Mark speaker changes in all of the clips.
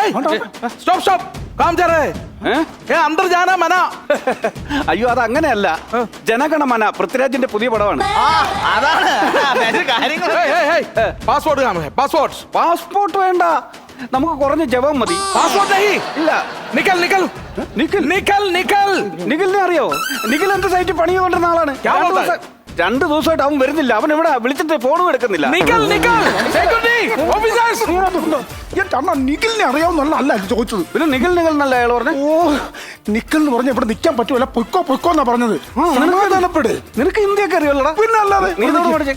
Speaker 1: Stop stop calm जा रहा है अंदर जाना मना
Speaker 2: അയ്യോ അത് അങ്ങനെയല്ല ജനഗണമന പൃഥ്വിരാജിന്റെ പുതിയ പടമാണ്
Speaker 1: അതാണ് കാര്യങ്ങൾ പാസ്പോർട്ട് काम है പാസ്പോർട്ട്
Speaker 2: പാസ്പോർട്ട് വേണ്ട നമുക്ക് കുറഞ്ഞ ജപം മതി
Speaker 1: പാസ്പോർട്ട് नहीं
Speaker 2: ഇല്ല
Speaker 1: निकल निकल
Speaker 2: നിഖിൽ
Speaker 1: निकल निकल
Speaker 2: നിഖിലിനെ അറിയോ നിഖിൽ എന്റെ സൈറ്റിൽ പണി ചെയ്തുകൊണ്ടിരുന്ന ആളാണ് രണ്ടു ദിവസമായിട്ട് അവൻ വരുന്നില്ല അവൻ ഇവിടെ വിളിച്ചിട്ട് ഫോണും എടുക്കുന്നില്ല
Speaker 1: निकल निकल सिक्योरिटी ऑफिसर्स
Speaker 3: അണ്ണാ നിഖിലിനെ അറിയാവുന്ന അല്ല ചോദിച്ചത്.
Speaker 2: പിന്നെ നിഖിൽ നിഖിൽ എന്നല്ല അയാൾ പറഞ്ഞു.
Speaker 3: ഓ നിഖിൽ എന്ന് പറഞ്ഞ ഇവിടെ നിൽക്കാൻ പറ്റുമല്ല പൊയ്ക്കോ പൊയ്ക്കോ എന്നാ പറഞ്ഞത്. സമാധാനപ്പെട്.
Speaker 2: നിനക്ക് ഹിന്ദിയൊക്കെ അറിയാമല്ലോടാ?
Speaker 3: പിന്നെ അല്ലാതെ
Speaker 2: നീ ഇതോട് പഠിച്ചേ.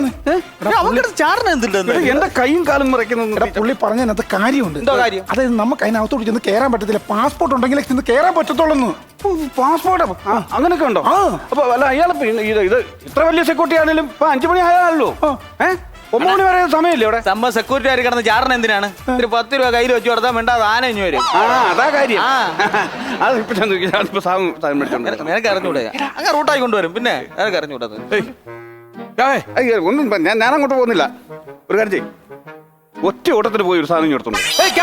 Speaker 2: എന്റെ കൈയും കാലും മറയ്ക്കുന്നു.
Speaker 3: പുള്ളി പറഞ്ഞതിനകത്ത് കാര്യമുണ്ട്.
Speaker 1: എന്തോ കാര്യം?
Speaker 3: അതായത് നമുക്ക് അതിനകത്തോട്ട് ചെന്ന് കയറാൻ പറ്റത്തില്ല. പാസ്പോർട്ട് ഉണ്ടെങ്കിലേ ചെന്ന് കയറാൻ പറ്റത്തുള്ളൂ.
Speaker 2: പാസ്പോർട്ട് അങ്ങനെയൊക്കെ ഉണ്ടോ? അപ്പൊ അല്ല അയാൾ ഇത് ഇത്ര വലിയ സെക്യൂരിറ്റി ആണെങ്കിലും ഇപ്പൊ 5 മണി ആയാലോ 9 മണി വരെ സമയമില്ലേ ഇവിടെ?
Speaker 1: നമ്മ സെക്യൂരിറ്റി ആയി കിടന്ന് ചാറിന് എന്തിനാണ്? ഒരു 10 രൂപ കയ്യിൽ വെച്ച് കൊടുത്താൽ വേണ്ട, അത് ആന ഇഞ്ഞു വരും.
Speaker 2: അതാ കാര്യം. അത് ഇപ്പൊ സാധനം മേടിച്ചോണ്ട്
Speaker 1: നിനക്ക് അറിഞ്ഞൂടെ? അങ്ങനെ റൂട്ടായി കൊണ്ടുവരും. പിന്നെ നിനക്ക് അറിഞ്ഞൂടത്.
Speaker 2: ഒന്നും ഞാൻ അങ്ങോട്ട് പോകുന്നില്ല. ഒരു കാര്യം ചെയ്യും, ഒറ്റ ഓട്ടത്തിന് പോയി ഒരു സാധനം കൊടുത്തോണ്ട്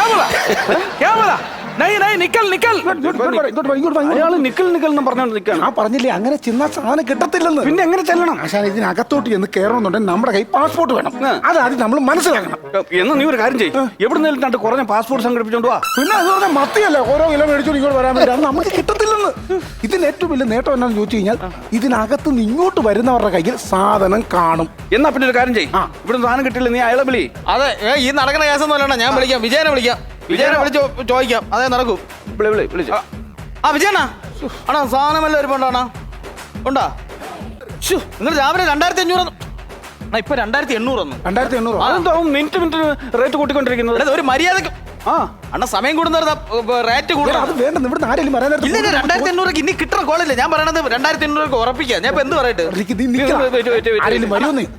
Speaker 2: അയാള് നിക്കൽ നിക്കൽ എന്ന് പറഞ്ഞോണ്ട് നിൽക്കാണ്.
Speaker 3: ആ പറഞ്ഞില്ലേ അങ്ങനെ ചെന്നാ സാധനം കിട്ടത്തില്ലെന്ന്.
Speaker 2: പിന്നെ എങ്ങനെ ചെല്ലണം?
Speaker 3: പക്ഷേ ഇതിനകത്തോട്ട് ചെന്ന് കയറണമെന്നുണ്ടെങ്കിൽ നമ്മുടെ കൈ പാസ്പോർട്ട് വേണം. അതാദ്യം നമ്മൾ മനസ്സിലാക്കണം.
Speaker 2: എന്നാ നീ ഒരു കാര്യം ചെയ്യും, എവിടുന്ന് കണ്ട് കുറഞ്ഞ പാസ്പോർട്ട് സംഘടിപ്പിച്ചോണ്ട് വാ.
Speaker 3: പിന്നെ അത് പറഞ്ഞാൽ മത്തിയല്ല ഓരോ കിലോ മേടിച്ചോണ്ട് ഇങ്ങോട്ട് വരാൻ വേണ്ടി അത് നമുക്ക് കിട്ടത്തില്ലെന്ന്. ഇതിന് ഏറ്റവും വലിയ നേട്ടം എന്താണെന്ന് ചോദിച്ചു കഴിഞ്ഞാൽ ഇതിനകത്ത് നിന്ന് ഇങ്ങോട്ട് വരുന്നവരുടെ കയ്യിൽ സാധനം കാണും.
Speaker 2: എന്നാ പിന്നെ ഒരു കാര്യം ചെയ്യും, ഇവിടുന്ന് സാധനം കിട്ടില്ല, നീ അയാളെ വിളി.
Speaker 1: അതെ, ഈ നടക്കുന്ന കേസൊന്നും അല്ല. ഞാൻ വിളിക്കാം, വിജയനെ വിളിക്കാം. വിജയനെ വിളിച്ച് ചോദിക്കാം. അതേ നടക്കും.
Speaker 2: വിളിച്ചു.
Speaker 1: ആ വിജയനാ ആണോ? സാധനം വല്ല ഒരുപാടാണോ? ഉണ്ടാ? നിങ്ങൾ രാവിലെ 2500 ഇപ്പൊ 2800
Speaker 3: 2800.
Speaker 2: അതെന്തോ മിനിറ്റ് റേറ്റ് കൂട്ടിക്കൊണ്ടിരിക്കുന്നത്?
Speaker 1: ഒരു മര്യാദക്ക് അണ്ണ സമയം കൂടുന്ന റേറ്റ് കൂടുതൽ.
Speaker 3: അത് വേണ്ട, ഇവിടുന്ന് ആരെങ്കിലും വരാൻ നേരത്ത്
Speaker 1: 2800 ഇനി കിട്ടുന്ന കോളില്ല. ഞാൻ പറയണത് 2800 ഉറപ്പിക്കാം. ഞാൻ ഇപ്പൊ എന്ത് പറയട്ടെ?
Speaker 3: ആരെങ്കിലും വരുമെന്ന്